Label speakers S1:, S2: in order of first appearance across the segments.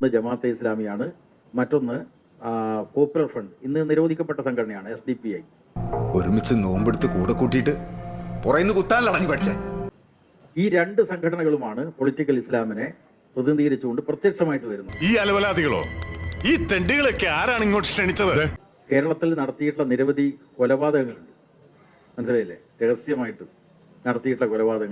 S1: ജമാഅത്തെ ഇസ്ലാമിയാണ്, മറ്റൊന്ന് popular front, ഇന്ന് നിരോധിക്കപ്പെട്ട സംഘടനയാണ് SDPI.
S2: ഒരുമിച്ച് നോമ്പെടുത്ത് കൂടെ കൂട്ടിയിട്ട് പുറയുന്ന കുത്താനല്ല നീ പഠിച്ചേ.
S1: ഈ രണ്ട് സംഘടനകളുമാണ് പൊളിറ്റിക്കൽ ഇസ്ലാമിനെ പ്രതിനിധീകരിച്ചുകൊണ്ട് പ്രത്യക്ഷമായിട്ട് വരുന്നത്.
S3: ഈ അലവലാദികളോ ഈ തെണ്ടികളൊക്കെ ആരാണ് ഇങ്ങോട്ട് ക്ഷണിച്ചത്?
S1: കേരളത്തിൽ നടത്തിയിട്ടുള്ള നിരവധി കൊലപാതകങ്ങളുണ്ട്, മനസ്സിലായില്ലേ? രഹസ്യമായിട്ട് നടത്തിയിട്ടുള്ള കൊലപാതകങ്ങൾ.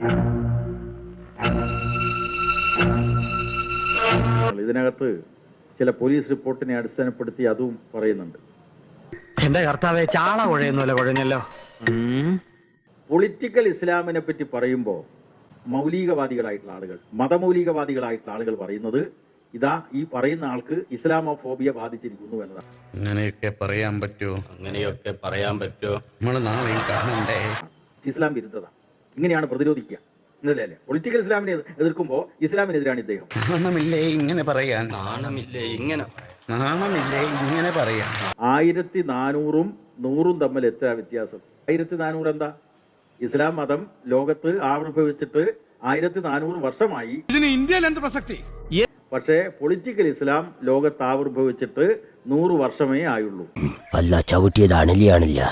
S1: ഇതിനകത്ത് ചില പോലീസ് റിപ്പോർട്ടിനെ അടിസ്ഥാനപ്പെടുത്തി അതും പറയുന്നുണ്ട്.
S4: എന്റെ കർത്താവേ, ചാള കുഴയുന്നല്ലോ കുഴഞ്ഞല്ലോ.
S1: പൊളിറ്റിക്കൽ ഇസ്ലാമിനെ പറ്റി പറയുമ്പോൾ മൗലികവാദികളായിട്ടുള്ള ആളുകൾ, മതമൗലികവാദികളായിട്ടുള്ള ആളുകൾ പറയുന്നത് ഇതാ, ഈ പറയുന്ന ആൾക്ക് ഇസ്ലാമോഫോബിയ ബാധിച്ചിരിക്കുന്നു എന്നതാണ്.
S5: അങ്ങനെയൊക്കെ പറയാൻ പറ്റുമോ? അങ്ങനെയൊക്കെ പറയാൻ പറ്റുമോ? നമ്മൾ നാളെയും കാണണ്ടേ?
S1: ഇസ്ലാം വിരുദ്ധത ഇങ്ങനെയാണ് പ്രതിരോധിക്കുക എന്നല്ലേ? പൊളിറ്റിക്കൽ ഇസ്ലാമിനെ എതിർക്കുമ്പോൾ ഇസ്ലാമിനെതിരാണ് ഇദ്ദേഹം.
S5: നാണമില്ലേ ഇങ്ങനെ പറയാൻ? നാണമില്ലേ ഇങ്ങനെ പറയാൻ?
S1: 1400-ഉം 100-ഉം തമ്മിൽ എത്ര വ്യത്യാസം? 1400 എന്താ? ഇസ്ലാം മതം ലോകത്ത് ആവിർഭവിച്ചിട്ട് 1400 വർഷമായി.
S6: ഇതിന് ഇന്ത്യയിൽ എന്ത് പ്രസക്തി?
S1: പക്ഷേ പൊളിറ്റിക്കൽ ഇസ്ലാം ലോകത്ത് ആവിർഭവിച്ചിട്ട് 100 വർഷമേ ആയുള്ളൂ.
S7: അല്ല ചവിട്ടിയതാണില്ല.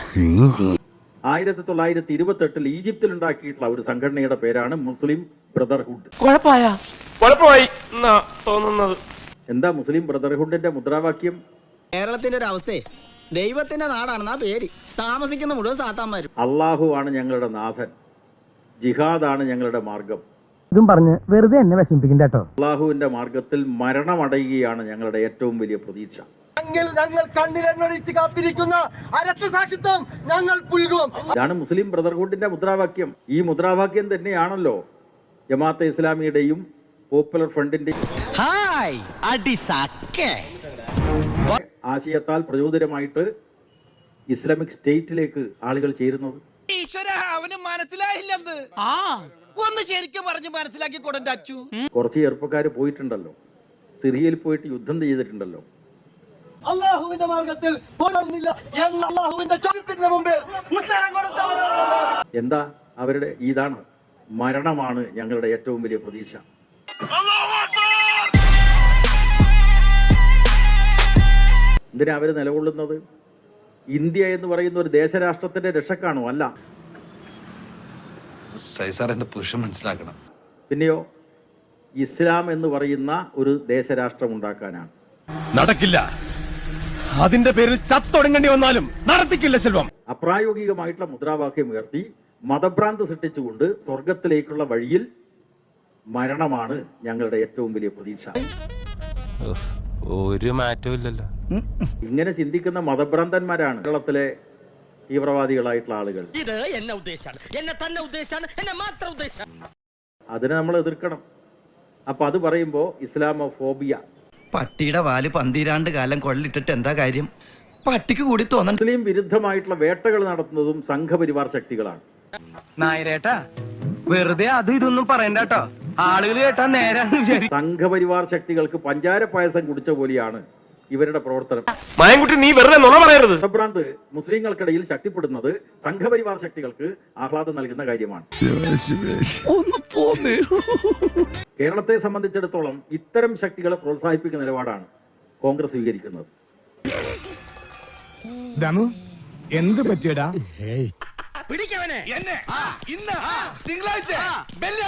S1: 1928 ഈജിപ്തിൽ ഉണ്ടാക്കിയിട്ടുള്ള ഒരു സംഘടനയുടെ പേരാണ് മുസ്ലിം ബ്രദർഹുഡ്.
S4: കുഴപ്പമായി തോന്നുന്നത്.
S1: എന്താ മുസ്ലിം ബ്രദർഹുഡിന്റെ മുദ്രാവാക്യം?
S8: കേരളത്തിന്റെ ഒരു അവസ്ഥയെ ദൈവത്തിന്റെ നാടാണെന്നാ പേര്. താമസിക്കുന്ന മുഴുവൻ സാത്താന്മാരും.
S1: അള്ളാഹു ആണ് ഞങ്ങളുടെ നാഥൻ, ജിഹാദാണ് ഞങ്ങളുടെ മാർഗം.
S4: ഇതും പറഞ്ഞ് വെറുതെ എന്നെ വിഷമിപ്പിക്കും കേട്ടോ.
S1: അള്ളാഹുവിന്റെ മാർഗത്തിൽ മരണമടയുകയാണ് ഞങ്ങളുടെ ഏറ്റവും വലിയ പ്രതീക്ഷ.
S8: ഞങ്ങൾ കണ്ണിലെണ്ണൊഴിച്ച് കാത്തിരിക്കുന്ന അരക്തസാക്ഷിത്വം ഞങ്ങൾ പുൽകും.
S1: ഇതാണ് മുസ്ലിം ബ്രദർഹുഡിന്റെ മുദ്രാവാക്യം. ഈ മുദ്രാവാക്യം തന്നെയാണല്ലോ ജമാഅത്തെ ഇസ്ലാമിയുടെയും പോപ്പുലർ ഫ്രണ്ടിന്റെയും ആശയത്താൽ പ്രചോദിതമായിട്ട് ഇസ്ലാമിക് സ്റ്റേറ്റിലേക്ക് ആളുകൾ ചേരുന്നത്. കുറച്ച് ചെറുപ്പക്കാർ പോയിട്ടുണ്ടല്ലോ, സിറിയയിൽ പോയിട്ട് യുദ്ധം ചെയ്തിട്ടുണ്ടല്ലോ.
S8: അല്ലാഹുവിന്റെ മാർഗത്തിൽ
S1: എന്താ അവരുടെ? ഇതാണ്, മരണമാണ് ഞങ്ങളുടെ ഏറ്റവും വലിയ പ്രതീക്ഷ. എന്തിനാ അവര് നിലകൊള്ളുന്നത്? ഇന്ത്യ എന്ന് പറയുന്ന ഒരു ദേശരാഷ്ട്രത്തിന്റെ രക്ഷക്കാണോ? അല്ല.
S2: മനസ്സിലാക്കണം.
S1: പിന്നെയോ ഇസ്ലാം എന്ന് പറയുന്ന ഒരു ദേശരാഷ്ട്രം ഉണ്ടാക്കാനാണ്.
S6: നടക്കില്ല. അതിന്റെ പേരിൽ ചത്തൊടുങ്ങേണ്ടി വന്നാലും നടത്തിക്കില്ല സെൽവം.
S1: അപ്രായോഗികമായിട്ടുള്ള മുദ്രാവാക്യം ഉയർത്തി മതഭ്രാന്ത് സൃഷ്ടിച്ചുകൊണ്ട് സ്വർഗത്തിലേക്കുള്ള വഴിയിൽ മരണമാണ് ഞങ്ങളുടെ ഏറ്റവും വലിയ പ്രതീക്ഷ.
S6: ഒരു മാറ്റവും.
S1: ഇങ്ങനെ ചിന്തിക്കുന്ന മതഭ്രാന്തന്മാരാണ് കേരളത്തിലെ തീവ്രവാദികളായിട്ടുള്ള ആളുകൾ. അതിനെ നമ്മൾ എതിർക്കണം. അപ്പൊ അത് പറയുമ്പോ ഇസ്ലാമോഫോബിയ.
S9: പട്ടിയുടെ വാല് 12 കാലം കൊള്ളിട്ടിട്ട് എന്താ കാര്യം? പട്ടിക്ക് കൂടി തോന്നണം.
S1: മുസ്ലിം വിരുദ്ധമായിട്ടുള്ള വേട്ടകൾ നടത്തുന്നതും സംഘപരിവാർ ശക്തികളാണ്.
S4: നായരേട്ടാ, വെറുതെ അത് ഇതൊന്നും പറയണ്ട കേട്ടോ. ആളുകൾ കേട്ടാ നേരെ
S1: സംഘപരിവാർ ശക്തികൾക്ക് പഞ്ചാര പായസം കുടിച്ച പോലെയാണ് ഇവരുടെ പ്രവർത്തനം.
S4: മായൻകുട്ടി, നീ വെറുതെ നുണ പറയരുത്.
S1: മതഭ്രാന്ത് മുസ്ലിങ്ങൾക്കിടയിൽ ശക്തിപ്പെടുന്നത് സംഘപരിവാർ ശക്തികൾക്ക് ആഹ്ലാദം നൽകുന്ന കാര്യമാണ്. കേരളത്തെ സംബന്ധിച്ചിടത്തോളം ഇത്തരം ശക്തികളെ പ്രോത്സാഹിപ്പിക്കുന്ന നിലപാടാണ് കോൺഗ്രസ് സ്വീകരിക്കുന്നത്.
S6: എന്ത് പറ്റിയടാ?
S8: പിടിക്കവനെ. ഇന്ന് തിങ്കളാഴ്ച